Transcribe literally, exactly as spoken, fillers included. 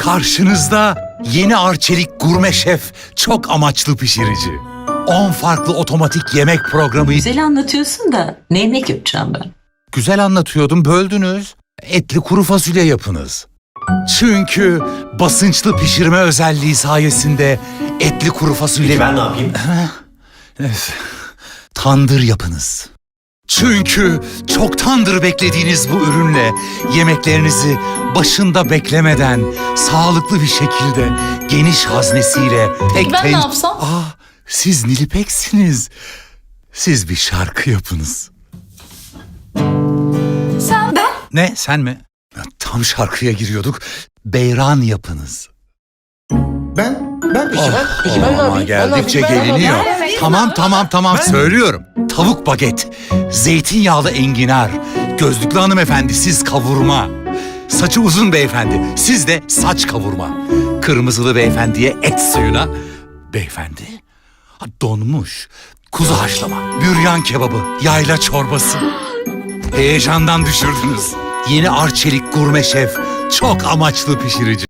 Karşınızda yeni Arçelik Gurme Şef çok amaçlı pişirici. on farklı otomatik yemek programı. Güzel anlatıyorsun da ne yemek yapacağım ben? Güzel anlatıyordum, böldünüz. Etli kuru fasulye yapınız. Çünkü basınçlı pişirme özelliği sayesinde etli kuru fasulye... Peki ben ne yapayım? Evet. Tandır yapınız. Çünkü çoktandır beklediğiniz bu ürünle yemeklerinizi başında beklemeden sağlıklı bir şekilde geniş haznesiyle tek ben ten- ne yapsam? Aa, siz Nilipek'siniz. Siz bir şarkı yapınız. Sen ben. Ne, sen mi? Ya, tam şarkıya giriyorduk. Beyran yapınız. Ben? Ben peki ben? Peki ben ne Ama yapayım? Ben ne geldikçe yapayım? Ben ne geliniyor. yapayım? Evet, Tamam ben- tamam tamam Ben- söylüyorum. Tavuk baget, zeytinyağlı enginar, gözlüklü hanımefendi siz kavurma. Saçı uzun beyefendi, siz de saç kavurma. Kırmızılı beyefendiye et suyuna, beyefendi ha, donmuş kuzu haşlama, büryan kebabı, yayla çorbası. Heyecandan düşürdünüz. Yeni Arçelik Gurme Şef çok amaçlı pişirici.